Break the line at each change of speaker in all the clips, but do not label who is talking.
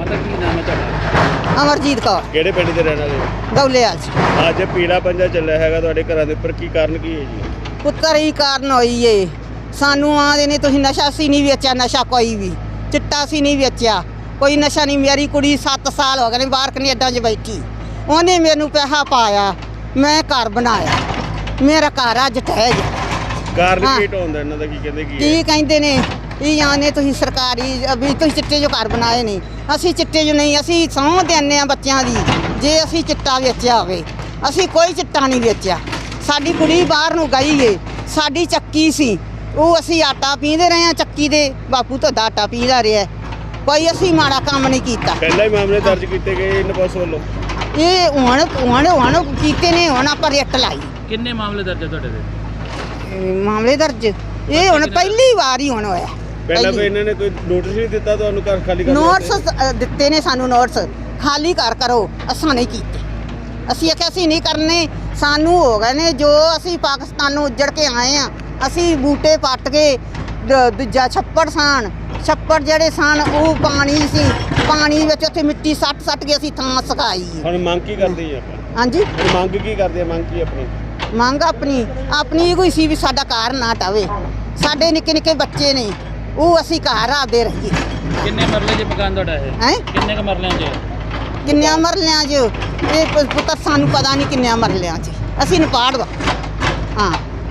माता की नाम है ਤੁਹਾਡਾ?
ਅਮਰਜੀਤ ਕੌਰ
ਕਿਹੜੇ ਪਿੰਡ ਦੇ ਰਹਿਣ ਵਾਲੇ ਹੋ?
ਦੌਲਿਆ 'ਚ।
ਅੱਜ ਪੀਲਾ ਪੰਜਾ ਚੱਲਿਆ ਹੈਗਾ ਤੁਹਾਡੇ ਘਰਾਂ ਦੇ ਉੱਪਰ, ਕੀ ਕਾਰਨ ਕੀ ਹੈ ਜੀ?
ਪੁੱਤਰ ਹੀ ਕਾਰਨ ਹੋਈ ਏ। ਸਾਨੂੰ ਆਂਦੇ ਨੇ ਤੁਸੀਂ ਨਸ਼ਾ ਸੀ ਨਹੀਂ ਵੇਚਿਆ, ਨਸ਼ਾ ਕੋਈ ਵੀ ਚਿੱਟਾ ਸੀ ਨਹੀਂ ਵੇਚਿਆ, ਕੋਈ ਨਸ਼ਾ ਨਹੀਂ। ਮੇਰੀ ਕੁੜੀ 7 ਸਾਲ ਹੋ ਗਏ ਨੇ ਬਾਹਰ ਕੈਨੇਡਾ 'ਚ ਬੈਠੀ, ਉਹਨੇ ਮੈਨੂੰ ਪੈਸਾ ਪਾਇਆ, ਮੈਂ ਘਰ ਬਣਾਇਆ, ਮੇਰਾ ਘਰ ਅੱਜ ਢਹਿ ਗਿਆ।
ਕਾਰਨ ਕੀ ਢਾਉਂਦਾ ਇਹਨਾਂ ਦਾ, ਕੀ ਕਹਿੰਦੇ ਕੀ
ਕੀ
ਹੈ?
ਕਹਿੰਦੇ ਨੇ ਇਹ ਆਨੇ ਤੁਸੀਂ ਸਰਕਾਰੀ ਵੀ ਤੁਸੀਂ ਚਿੱਟੇ ਜੋ ਘਰ ਬਣਾਏ ਨਹੀਂ। ਅਸੀਂ ਚਿੱਟੇ ਜੋ ਨਹੀਂ, ਅਸੀਂ ਸਹੁੰ ਦਿੰਦੇ ਆ ਬੱਚਿਆਂ ਦੀ ਜੇ ਅਸੀਂ ਚਿੱਟਾ ਵੇਚਿਆ ਹੋਵੇ। ਅਸੀਂ ਕੋਈ ਚਿੱਟਾ ਨਹੀਂ ਵੇਚਿਆ। ਸਾਡੀ ਕੁੜੀ ਬਾਹਰ ਨੂੰ ਗਈ ਏ, ਸਾਡੀ ਚੱਕੀ ਸੀ, ਉਹ ਅਸੀਂ ਆਟਾ ਪੀਂਦੇ ਰਹੇ ਆ ਚੱਕੀ ਦੇ, ਬਾਪੂ ਤੋਂ ਆਟਾ ਪੀਂਦਾ ਰਿਹਾ। ਕੋਈ ਅਸੀਂ ਮਾੜਾ ਕੰਮ ਨਹੀਂ ਕੀਤਾ।
ਪਹਿਲਾਂ ਹੀ ਮਾਮਲੇ ਦਰਜ ਕੀਤੇ ਗਏ ਇਹਨਾਂ ਪਾਸ ਵੱਲੋਂ?
ਇਹ ਹੁਣ ਕੀਤੇ ਨੇ, ਹੁਣ ਆਪਾਂ ਰਿੱਟ ਲਾਈ।
ਕਿੰਨੇ ਮਾਮਲੇ ਦਰਜ ਹੈ ਤੁਹਾਡੇ ਤੇ?
ਮਾਮਲੇ ਦਰਜ ਇਹ ਹੁਣ ਪਹਿਲੀ ਵਾਰ ਹੀ ਹੁਣ ਹੋਇਆ।
ਪਹਿਲਾਂ ਕੋਈ ਇਹਨਾਂ ਨੇ ਕੋਈ ਨੋਟਿਸ ਨਹੀਂ ਦਿੱਤਾ ਤੁਹਾਨੂੰ ਘਰ ਖਾਲੀ ਕਰਨ
ਨੋਟਸ ਦਿੱਤੇ ਨੇ ਸਾਨੂੰ, ਨੋਟਸ ਖਾਲੀ ਘਰ ਕਰੋ, ਅਸਾਂ ਨਹੀਂ ਕੀਤੇ। ਅਸੀਂ ਆਖਿਆ ਅਸੀਂ ਨਹੀਂ ਕਰਨੇ, ਸਾਨੂੰ ਹੋ ਗਏ ਨੇ ਜੋ ਅਸੀਂ ਪਾਕਿਸਤਾਨ ਨੂੰ ਉੱਜੜ ਕੇ ਆਏ ਆ। ਅਸੀਂ ਬੂਟੇ ਪੱਟ ਕੇ ਦੂਜਾ ਛੱਪੜ ਛੱਪੜ ਜਿਹੜੇ ਸਨ ਉਹ ਪਾਣੀ ਸੀ, ਪਾਣੀ ਵਿੱਚ ਉੱਥੇ ਮਿੱਟੀ ਸੱਟ ਕੇ ਅਸੀਂ ਥਾਂ ਸੁਕਾਈ।
ਹੁਣ ਮੰਗ ਕੀ ਕਰਦੇ ਜੀ ਆਪਾਂ?
ਹਾਂਜੀ,
ਹੁਣ ਮੰਗ ਕੀ ਕਰਦੇ ਆ? ਮੰਗ ਕੀ ਆਪਣੀ?
ਮੰਗ ਆਪਣੀ ਕੋਈ ਸੀ ਵੀ ਸਾਡਾ ਘਰ ਨਾ ਟਾਵੇ। ਸਾਡੇ ਨਿੱਕੇ ਨਿੱਕੇ ਬੱਚੇ ਨੇ, ਉਹ ਅਸੀਂ ਘਰ ਆਪਦੇ ਰਹੀਏ।
ਕਿੰਨੇ ਮਰਲੇ 'ਚ ਮਕਾਨ ਤੁਹਾਡਾ
ਹੈਂ?
ਕਿੰਨੇ ਕ ਮਰਲਿਆਂ 'ਚ?
ਕਿੰਨਿਆਂ ਮਰਲਿਆਂ 'ਚ ਇਹ ਪੁੱਤਰ ਸਾਨੂੰ ਪਤਾ ਨਹੀਂ ਕਿੰਨਿਆਂ ਮਰਲਿਆਂ 'ਚ। ਅਸੀਂ ਨਪਾੜ ਵਾ। ਹਾਂ,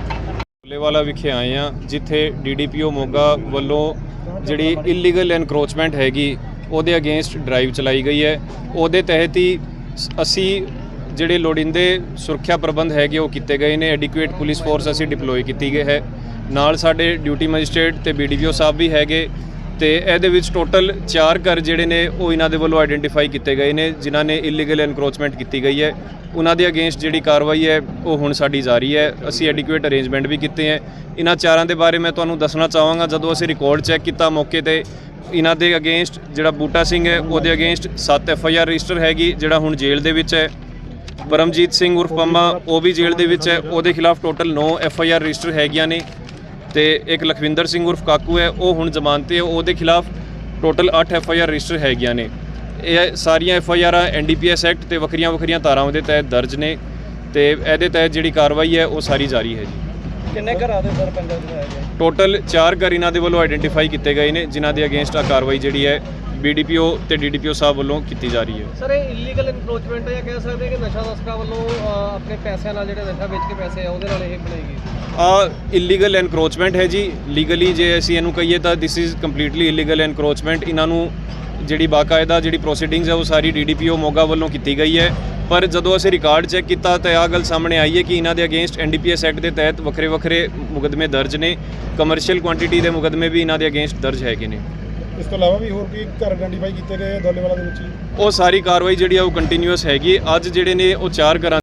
ਵਾਲਾ ਵਿਖੇ ਆਏ ਆ, ਜਿੱਥੇ ਡੀਡੀਪੀਓ ਮੋਗਾ ਵੱਲੋਂ ਜਿਹੜੀ ਇਲੀਗਲ ਐਨਕਰੋਚਮੈਂਟ ਹੈਗੀ ਉਹਦੇ ਅਗੇਂਸਟ ਡਰਾਈਵ ਚਲਾਈ ਗਈ ਹੈ। ਉਹਦੇ ਤਹਿਤ ਹੀ ਅਸੀਂ ਜਿਹੜੇ ਲੋੜੀਂਦੇ ਸੁਰੱਖਿਆ ਪ੍ਰਬੰਧ ਹੈਗੇ ਉਹ ਕੀਤੇ ਗਏ ਨੇ। ਐਡਿਕੁਏਟ ਪੁਲਿਸ ਫੋਰਸ ਅਸੀਂ ਡਿਪਲੋਏ ਕੀਤੀ ਗਈ ਹੈ, ਨਾਲ ਸਾਡੇ ਡਿਊਟੀ ਮੈਜਿਸਟ੍ਰੇਟ ਤੇ ਬੀਡੀਪੀਓ ਸਾਹਿਬ ਵੀ ਹੈਗੇ। ਤੇ ਇਹਦੇ ਵਿੱਚ ਟੋਟਲ 4 ਘਰ ਜਿਹੜੇ ਨੇ ਉਹ ਇਹਨਾਂ ਦੇ ਵੱਲੋਂ ਆਈਡੈਂਟੀਫਾਈ ਕੀਤੇ ਗਏ ਨੇ ਜਿਨ੍ਹਾਂ ਨੇ ਇਲੀਗਲ ਐਨਕਰੋਚਮੈਂਟ ਕੀਤੀ ਗਈ ਹੈ। ਉਹਨਾਂ ਦੇ ਅਗੇਂਸਟ ਜਿਹੜੀ ਕਾਰਵਾਈ ਹੈ ਉਹ ਹੁਣ ਸਾਡੀ ਜਾਰੀ ਹੈ। ਅਸੀਂ ਐਡਿਕੁਏਟ ਅਰੇਂਜਮੈਂਟ ਵੀ ਕੀਤੇ ਹੈ। ਇਹਨਾਂ 4 ਦੇ ਬਾਰੇ ਮੈਂ ਤੁਹਾਨੂੰ ਦੱਸਣਾ ਚਾਹਾਂਗਾ, ਜਦੋਂ ਅਸੀਂ ਰਿਕਾਰਡ ਚੈੱਕ ਕੀਤਾ ਮੌਕੇ ਤੇ ਇਹਨਾਂ ਦੇ ਅਗੇਂਸਟ ਜਿਹੜਾ ਬੂਟਾ ਸਿੰਘ ਹੈ ਉਹਦੇ ਅਗੇਂਸਟ 7 FIR ਰਜਿਸਟਰ ਹੈਗੀ, ਜਿਹੜਾ ਹੁਣ ਜੇਲ੍ਹ ਦੇ ਵਿੱਚ ਹੈ। ਪਰਮਜੀਤ ਸਿੰਘ ਉਰਫ ਪੰਮਾ ਉਹ ਵੀ ਜੇਲ੍ਹ ਦੇ ਵਿੱਚ ਹੈ, ਉਹਦੇ ਖਿਲਾਫ ਟੋਟਲ 9 FIR ਰਜਿਸਟਰ ਹੈਗੀਆਂ ਨੇ। ਤੇ ਇੱਕ ਲਖਵਿੰਦਰ ਸਿੰਘ ਉਰਫ ਕਾਕੂ ਹੈ, ਉਹ ਹੁਣ ਜ਼ਮਾਨਤ ਤੇ, ਉਹਦੇ ਖਿਲਾਫ ਟੋਟਲ 8 FIR ਰਜਿਸਟਰ ਹੈਗੀਆਂ ਨੇ। ਇਹ ਸਾਰੀਆਂ FIR NDPS ਐਕਟ ਤੇ ਵੱਖਰੀਆਂ ਧਾਰਾਵਾਂ ਦੇ ਤਹਿਤ ਦਰਜ ਨੇ ਤੇ ਇਹਦੇ ਤਹਿਤ ਜਿਹੜੀ ਕਾਰਵਾਈ ਹੈ ਉਹ ਸਾਰੀ ਜਾਰੀ ਹੈ ਜੀ।
ਕਿੰਨੇ ਘਰਾਂ ਦੇ ਸਰ ਪੰਜਾ ਚ?
ਟੋਟਲ 4 ਘਰ ਇਹਨਾਂ ਦੇ ਵੱਲੋਂ ਆਈਡੈਂਟੀਫਾਈ ਕੀਤੇ ਗਏ ਨੇ ਜਿਨ੍ਹਾਂ ਦੇ ਅਗੇਂਸਟ ਆ ਕਾਰਵਾਈ ਜਿਹੜੀ ਹੈ BDPO ਤੇ DDPO ਸਾਹਿਬ ਵੱਲੋਂ ਕੀਤੀ ਜਾ ਰਹੀ ਹੈ।
ਸਰ ਇਹ ਇਲੀਗਲ ਇਨਕਰੋਚਮੈਂਟ ਹੈ ਜਾਂ ਕਹਿ ਸਕਦੇ ਕਿ ਨਸ਼ਾ ਤਸਕਰਾਂ ਵੱਲੋਂ ਆਪਣੇ ਪੈਸਿਆਂ ਨਾਲ ਜਿਹੜੇ ਨਸ਼ਾ ਵੇਚ ਕੇ ਪੈਸੇ ਆ ਉਹਦੇ ਨਾਲ ਇਹ ਬਣਾਈ ਗਈ?
ਇਲੀਗਲ ਐਨਕਰੋਚਮੈਂਟ ਹੈ ਜੀ। ਲੀਗਲੀ ਜੇ ਅਸੀਂ ਇਹਨੂੰ ਕਹੀਏ ਤਾਂ this is completely illegal encroachment. ਇਹਨਾਂ ਨੂੰ ਜਿਹੜੀ ਬਾਕਾਇਦਾ ਜਿਹੜੀ ਪ੍ਰੋਸੀਡਿੰਗਸ ਹੈ ਉਹ ਸਾਰੀ DDPO ਮੋਗਾ ਵੱਲੋਂ ਕੀਤੀ ਗਈ ਹੈ। ਪਰ ਜਦੋਂ ਅਸੀਂ ਰਿਕਾਰਡ ਚੈੱਕ ਕੀਤਾ ਤਾਂ ਆਹ ਗੱਲ ਸਾਹਮਣੇ ਆਈ ਹੈ ਕਿ ਇਹਨਾਂ ਦੇ ਅਗੇਂਸਟ NDPS ਐਕਟ ਦੇ ਤਹਿਤ ਵੱਖਰੇ ਮੁਕੱਦਮੇ ਦਰਜ ਨੇ। ਕਮਰਸ਼ੀਅਲ ਕੁਆਂਟੀਟੀ ਦੇ ਮੁਕੱਦਮੇ ਵੀ ਇਹਨਾਂ ਦੇ ਅਗੇਂਸਟ ਦਰਜ ਹੈਗੇ ਨੇ।
ਇਸ ਤੋਂ ਇਲਾਵਾ ਵੀ ਹੋਰ ਕੀ ਘਰ ਆਈਡੈਂਟੀਫਾਈ ਕੀਤੇ ਗਏ ਦੌਲੇਵਾਲਾ ਦੇ ਵਿੱਚ?
ਉਹ ਸਾਰੀ ਕਾਰਵਾਈ ਜਿਹੜੀ ਆ ਉਹ ਕੰਟੀਨਿਊਅਸ ਹੈਗੀ। ਅੱਜ ਜਿਹੜੇ ਨੇ ਉਹ 4 ਘਰਾਂ